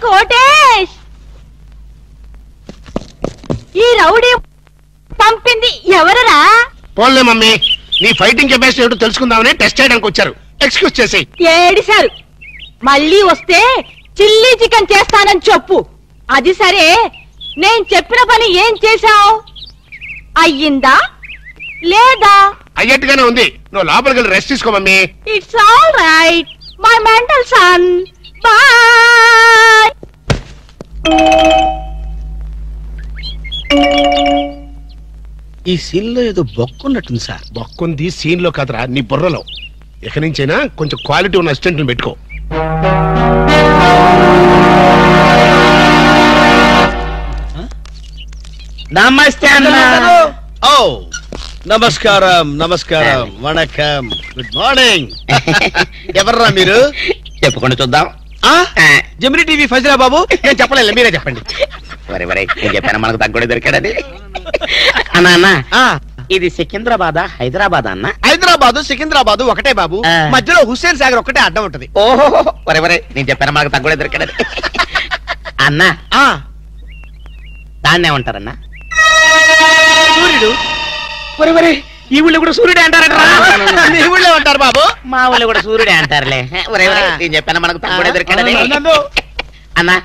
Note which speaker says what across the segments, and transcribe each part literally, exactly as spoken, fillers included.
Speaker 1: కోటేష్, ఈ రౌడీ పంపింది ఎవరరా?
Speaker 2: పోన్లే మమ్మీ, నీ ఫైటింగ్ కెపాసిటీ ఏమిటో తెలుసుకుందామని టెస్ట్ చేయడానికి వచ్చారు. ఎక్స్క్యూజ్ చేసి
Speaker 1: ఏడిశారు. మళ్ళీ వస్తే చిల్లీ చికెన్ చేస్తానని చెప్పు. అది సరే, నేను చెప్పిన పని ఏం చేశావు? అయ్యిందా లేదా?
Speaker 2: అయ్యట్టుగానే ఉంది. నువ్వు లోపలికి వెళ్ళి రెస్ట్ తీసుకో mummy.
Speaker 1: It's all right my mental son. Bye.
Speaker 3: ఈ సీన్ లో ఏదో బొక్కున్నట్టుంది సార్.
Speaker 2: బొక్కుంది సీన్ లో కదరా, నీ బుర్రలో. ఇక నుంచైనా కొంచెం క్వాలిటీ ఉన్న అసిస్టెంట్ పెట్టుకో.
Speaker 3: నమస్తే అన్న. ఓ నమస్కారం నమస్కారం వణకం గుడ్ మార్నింగ్. ఎవర్రా మీరు?
Speaker 4: చెప్పుకుంటూ చూద్దాం.
Speaker 3: జమిని టీవీ ఫజరా బాబు.
Speaker 2: నేను చెప్పలేదు, మీరే చెప్పండి.
Speaker 4: వరే వరే నేను చెప్పాను మనకు తగ్గుడే దొరికాడని. అన్నా అన్న, ఇది సికింద్రాబాద్ హైదరాబాద్ అన్న?
Speaker 3: హైదరాబాదు సికింద్రాబాదు ఒకటే బాబు. మధ్యలో హుస్సేన్ సాగర్ ఒకటే అడ్డం ఉంటది.
Speaker 4: ఓహో వరే వరే నేను చెప్పాను మనకు తగ్గుడే దొరికాడని. అన్నా దాన్నే ఉంటారన్నా?
Speaker 3: సూర్యుడు.
Speaker 4: వరే వరే ఈ ఊళ్ళో కూడా సూర్యుడే అంటారట.
Speaker 3: మీ ఊళ్ళో ఉంటారు బాబు.
Speaker 4: మా ఊళ్ళో కూడా సూర్యుడే అంటారులే. వరే వరే నేను చెప్పాను మనకు తగ్గుడే దొరికాడని. అన్నా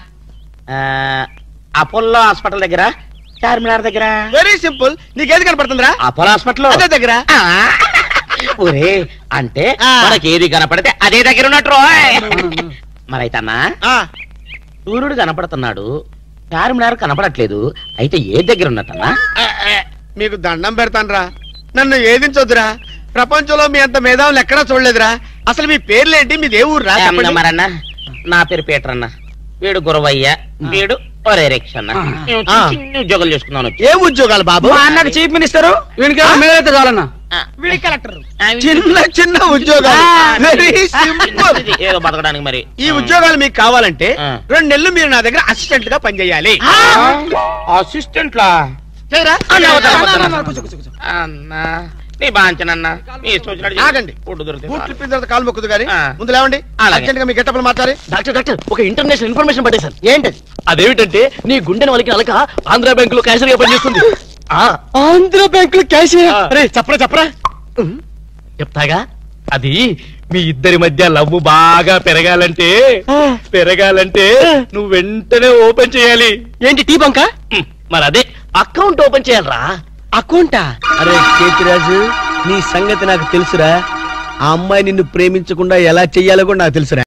Speaker 4: అపోలో హాస్పిటల్ దగ్గర, చార్మినార్ దగ్గర.
Speaker 3: Very simple. నీకేది కనపడుతుందిరా?
Speaker 4: అపోలో హాస్పిటల్
Speaker 3: అదే దగ్గర.
Speaker 4: ఒరే అంటే మనకి ఏది కనపడితే అదే దగ్గర ఉన్నట్టు. మరైతే అన్నా సూర్యుడు కనపడుతున్నాడు, చార్మినార్ కనపడట్లేదు, అయితే ఏ దగ్గర ఉన్నట్టన్నా?
Speaker 3: మీకు దండం పెడతానురా, నన్ను ఏదించొద్దురా. ప్రపంచంలో మీ అంత మేధావులు ఎక్కడా చూడలేదురా. అసలు మీ పేర్లేంటి, మీ దేవుడు రా?
Speaker 4: మరన్నా నా పేరు పీటర్ అన్న, వీడు గురవయ్య, వీడు ఒరే రిక్షన్న. చిన్న ఉద్యోగాలు చేసుకున్నాను.
Speaker 3: ఏ ఉద్యోగాలు బాబు?
Speaker 5: అన్నకు చీఫ్ మినిస్టర్, వీనికి మేమైతే చాలన్నా.
Speaker 3: వీడి కలెక్టర్. చిన్న చిన్న ఉద్యోగాలు, వెరీ సింపుల్.
Speaker 4: ఏదో బతకడానికి. మరి
Speaker 3: ఈ ఉద్యోగాలు మీకు కావాలంటే రెండు నెలలు మీరు నా దగ్గర అసిస్టెంట్ గా పనిచేయాలి.
Speaker 4: అసిస్టెంట్ లా? అన్నా నీ బాంచనన్నా, నీ
Speaker 3: ఆగండి. కాలు మొక్కుదు గారి ముందు లేవండి. అర్జెంట్ గా మీ గెట్టపలు మాట్లాడి.
Speaker 5: డాక్టర్ డాక్టర్ ఒక ఇంటర్నేషనల్ ఇన్ఫర్మేషన్ పట్టేశాను. ఏంటది? అదేమిటంటే నీ గుండెని వాళ్ళకి అలక ఆంధ్ర బ్యాంక్ లో క్యాషియర్ గా పనిచేస్తుంది. ఆంధ్ర బ్యాంక్ లో క్యాషియర్? అరే చెప్పరా చెప్పరా. చెప్తాగా. అది మీ ఇద్దరి మధ్య లవ్ బాగా పెరగాలంటే పెరగాలంటే నువ్వు వెంటనే ఓపెన్ చేయాలి. ఏంటి టీ బంక? మరి అదే అకౌంట్ ఓపెన్ చేయాలరా. అకౌంటా?
Speaker 3: అరే కేతిరాజు, నీ సంగతి నాకు తెలుసురా. ఆ అమ్మాయి నిన్ను ప్రేమించకుండా ఎలా చెయ్యాలో కూడా నాకు తెలుసురా.